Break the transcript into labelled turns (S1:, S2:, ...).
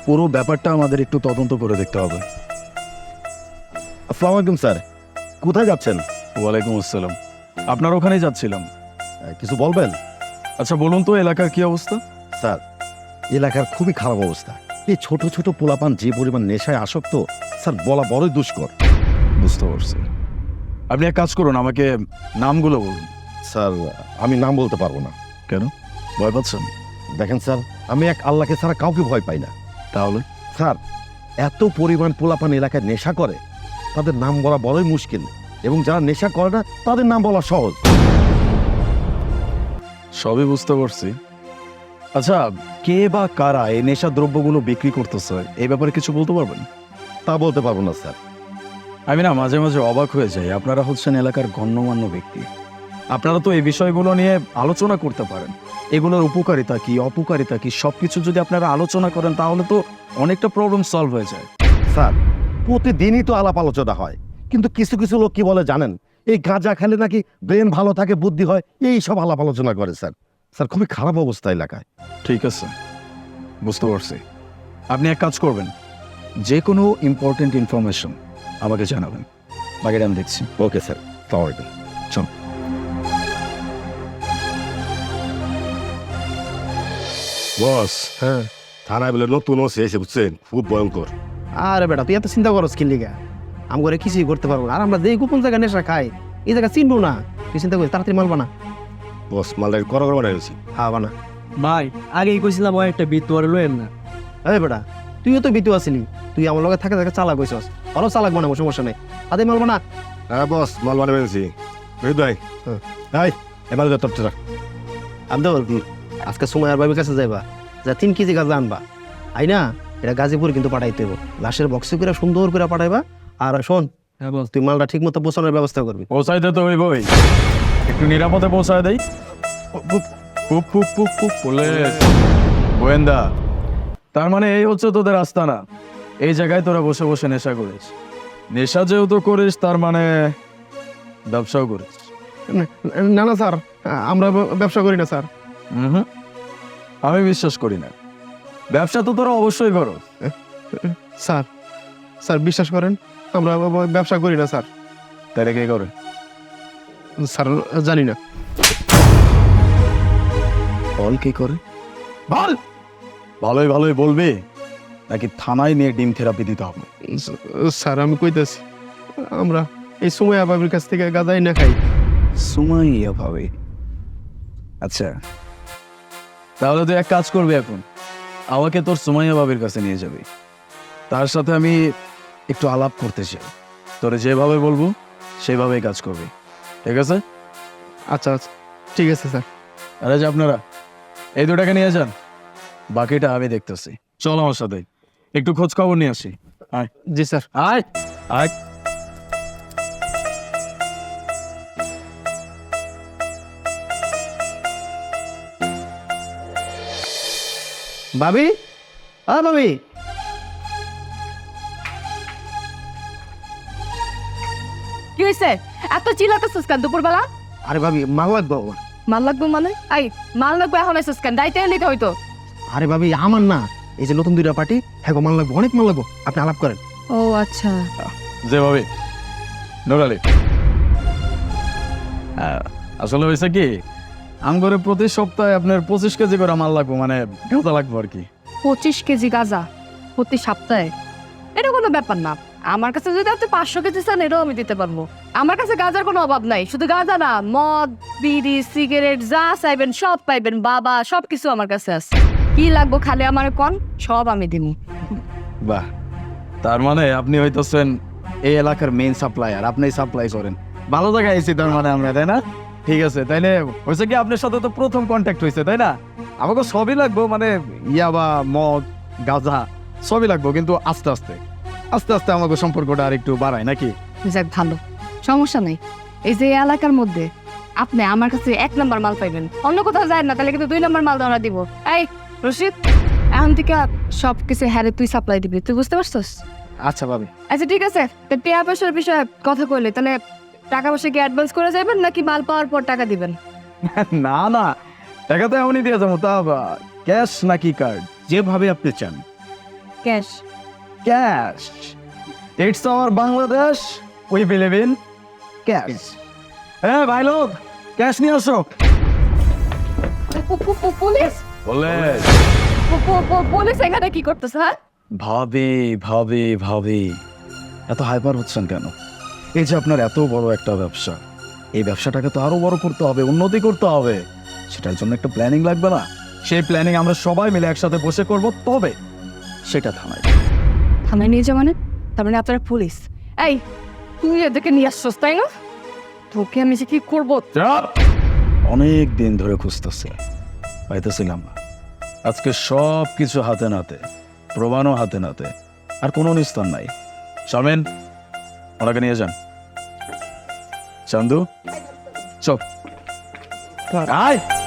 S1: পুরো ব্যাপারটা আমাদের একটু তদন্ত করে দেখতে হবে।
S2: আসসালামু আলাইকুম স্যার, কোথায় যাচ্ছেন?
S1: ওয়ালাইকুম আসসালাম। আপনার ওখানেই যাচ্ছিলাম।
S2: কিছু বলবেন?
S1: আচ্ছা বলুন তো, এলাকার কি অবস্থা?
S2: স্যার, এলাকার খুবই খারাপ অবস্থা। এই ছোট ছোট পোলাপান যে পরিমাণ নেশায় আসক্ত, স্যার বলা বড়ই দুষ্কর।
S1: বুঝতে পারছি। আপনি এক কাজ করুন, আমাকে নামগুলো বলুন।
S2: স্যার, আমি নাম বলতে পারবো না।
S1: কেন, ভয় পাচ্ছেন?
S2: দেখেন স্যার, আমি এক আল্লাহকে ছাড়া কাউকে ভয় পাই না।
S1: তাহলে
S2: স্যার, এত পরিমাণ পোলাপান এলাকায় নেশা করে, তাদের নাম বলা বড়ই মুশকিল, এবং যারা নেশা করে না তাদের নাম বলা সহজ।
S1: সবই বুঝতে পারছি। আচ্ছা, কে বা কারা এই নেশা দ্রব্যগুলো বিক্রি করতেছে এই ব্যাপারে কিছু বলতে পারবেন?
S2: তা বলতে পারবো না স্যার।
S1: আমি না মাঝে মাঝে অবাক হয়ে যাই, আপনারা হচ্ছেন এলাকার গণ্যমান্য ব্যক্তি, আপনারা তো এই বিষয়গুলো নিয়ে আলোচনা করতে পারেন। এগুলোর উপকারিতা কি অপকারিতা কি সবকিছু যদি আপনারা আলোচনা করেন তাহলে তো অনেকটা প্রবলেম সলভ হয়ে যায়।
S2: স্যার, প্রতিদিনই তো আলাপ আলোচনা হয়, কিন্তু কিছু কিছু লোক কি বলে জানেন? এই গাঁজা খেলে নাকি ব্রেন ভালো থাকে, বুদ্ধি হয়, এই সব আলাপ আলোচনা করে স্যার। স্যার, খুবই খারাপ অবস্থা এলাকায়।
S1: ঠিক আছে, বুঝতে পারছি। আপনি এক কাজ করবেন, যে কোনো ইম্পর্টেন্ট ইনফরমেশন আমাকে জানাবেন, বাকিটা আমি দেখছি।
S2: Okay sir, sorry.
S1: চল।
S3: বস, হ্যাঁ, থানায় বলে নতুন ওসি এসে বুঝছেন, খুব ভয়ঙ্কর।
S4: আরে বেটা, তুই এত চিন্তা করস কি লিগা? আম করে কিছুই করতে পারবো না। আর আমরা যে গোপন জায়গায় নেশা খাই, এই জায়গা চিনবো না। তুই চিন্তা করিস, তাড়াতাড়ি মাল বানা।
S3: বস, মালদার করা বানাই গেছি।
S4: হ্যাঁ বানা।
S5: ভাই আগেই কইছিলাম ও একটা বিট তোয়ারে লইেন না।
S4: এই বেটা, তুইও তো বিতু আসিলি, তুই আমার লগে থাকে থাকে চালাক হইছস। ভালো চালাক বানাবো, সমস্যা নেই। তাদের মাল বানা।
S3: হ্যাঁ বস, মাল বানাই গেছি। হৃদয়,
S2: এই, এবার তোর
S4: আব্দুল, আজকে সময় আর বাবির কাছে যাইবা, যা 3 কেজি গাঁজা আনবা। আই না, এটা গাজীপুর কিন্তু পাঠাইতে হইব। লাশের বক্সে করে সুন্দর করে পাঠাইবা। আর শোন,
S5: হ্যাঁ বস।
S4: তুই মালটা ঠিক মতো পৌঁছানোর ব্যবস্থা করবি।
S1: পৌঁছাইতে তো হইবই, একটু নিরাপদে পৌঁছায় দেই। পুলিশ, গোয়েন্দা, তার মানে এই হচ্ছে তোদের আস্তানা। এই জায়গায় তোরা বসে বসে নেশা করিস। নেশা যেহেতু করিস তার মানে ব্যবসাও করিস।
S4: না না স্যার, আমরা ব্যবসা করি না স্যার।
S1: হুম, আমি বিশ্বাস করি না। ব্যবসা তো তোরা অবশ্যই করো।
S4: স্যার, স্যার বিশ্বাস করেন, আমরা ব্যবসা করি না স্যার।
S1: তাহলে কে করে?
S4: স্যার জানি না।
S1: বল কে করে, বল। ভালোই ভালোই বলবি, নাকি থানায় নিয়ে ডিম থেরাপি দিতে হবে?
S4: স্যার আমি কইতাছি, আমরা এই সময় আবাবির কাছ থেকে গাঁজাই না খাই।
S1: সুমাইয়া ভাবে। আচ্ছা, তাহলে তুই এক কাজ করবি, এখন আমাকে তোর সুমাইয়া ভাবির কাছে নিয়ে যাবি। তার সাথে আমি একটু আলাপ করতে চাই। তোরে যেভাবে বলবো সেভাবেই কাজ করবি, ঠিক আছে?
S4: আচ্ছা আচ্ছা, ঠিক আছে স্যার।
S1: আরে যে আপনারা এই দুটাকে নিয়ে যান, বাকিটা আমি দেখতেছি। চল আমার সাথে, একটু খোঁজ খবর নিয়ে আসি। আয়
S4: জি স্যার।
S1: আয় আয়।
S4: ভাবি, ভাবি,
S6: কি হয়েছে? এত চিল্লাতেছিস কেন দুপুরবেলা?
S4: আরে ভাবি, মাল লাগবে আমার।
S6: মাল লাগবে মানে? আই মাল লাগবে এখন এসেছিস কেন? দায়িত্ব নিতে হইতো।
S4: আরে ভাবি, আমার না, এই যে নতুন 2টা পার্টি, হ্যাঁ মাল লাগবে, অনেক মাল লাগবে। আপনি আলাপ করেন।
S6: ও আচ্ছা।
S1: যেভাবে নোরালি, আসলে হয়েছে কি, আমগরে প্রতি সপ্তাহে আপনার 25 কেজি করে মাল লাগবে, মানে গাঁজা লাগবে আর কি।
S6: 25 কেজি গাঁজা প্রতি সপ্তাহে? এটা কোনো ব্যাপার না। আমার কাছে যদি আপনি 500 কেজি চান, এটাও আমি দিতে পারবো। আমার কাছে গাঁজার কোনো অভাব নাই। শুধু গাঁজা না, মদ, বিড়ি, সিগারেট যা চাইবেন সব পাইবেন। বাবা, সব কিছু আমার কাছে আছে। কি লাগবো খালি আমার কোন, সব আমি দিব।
S1: বাহ, তার মানে আপনি হইতেছেন এই এলাকার মেইন সাপ্লায়ার, আপনি সাপ্লাই করেন। ভালো জায়গায় আইছি তার মানে আমরা, তাই না? ঠিক আছে, তাইলে হয়েছে কি, আপনার সাথে তো প্রথম কন্ট্যাক্ট হয়েছে, তাই না? আমাকে সবই লাগবো, মানে ইয়াবা, মদ, গাঁজা সবই লাগবো, কিন্তু আস্তে আস্তে আস্তে আস্তে আমাকে সম্পর্কটা আর একটু বাড়ায় নাকি?
S6: যাক ভালো, সমস্যা নাই। এই যে এলাকার মধ্যে আপনি আমার কাছে 1 নাম্বার মাল পাইবেন, অন্য কোথাও যায় না, তাহলে কিন্তু 2 নাম্বার মাল ধরা দিব। এই রশিদ, এখন থেকে সব কিছু হ্যারে তুই সাপ্লাই দিবি, তুই বুঝতে পারছস?
S4: আচ্ছা ভাবি।
S6: আচ্ছা ঠিক আছে, তো টাকা পয়সার বিষয়ে কথা কইলে, তাহলে টাকা পয়সা কি অ্যাডভান্স করে যাবেন নাকি মাল পাওয়ার পর টাকা দিবেন?
S1: না না, টাকা তো এমনই দিয়ে যাবো, তা ক্যাশ নাকি কার্ড?
S2: যেভাবে আপনি চান।
S6: Cash.
S1: Cash, it's our Bangladesh, we believe in cash. হ্যাঁ ভাই লোক, ক্যাশ নিয়ে আসো।
S6: পুলিশ
S1: বলে
S6: পুলিশ এখানে কি করতেছে? হ্যাঁ,
S1: ভাবি ভাবি ভাবি, এত হাইপার হচ্ছেন কেন? এই যে আপনার এত বড় একটা ব্যবসা, এই ব্যবসাটাকে তো আরো বড় করতে হবে, উন্নতি করতে হবে। সেটার জন্য একটা প্ল্যানিং লাগবে না? সেই প্ল্যানিং আমরা সবাই মিলে একসাথে বসে করব, তবে সেটা থানায়।
S6: থানায় নিয়ে যাওয়া মানে? তার মানে আপনারা পুলিশ? এই, তুই এদেরকে নিয়ে আসছস তাই না? তোকে আমি যে কি করবো?
S1: অনেক দিন ধরে খুঁজতেছে, পাইতেছিলাম না। আজকে সব কিছু হাতে নাতে, প্রমাণও হাতে নাতে, আর কোনো নিস্তার নাই। শারমিন, ওনাকে নিয়ে যান। চান্দু, চপ আয়।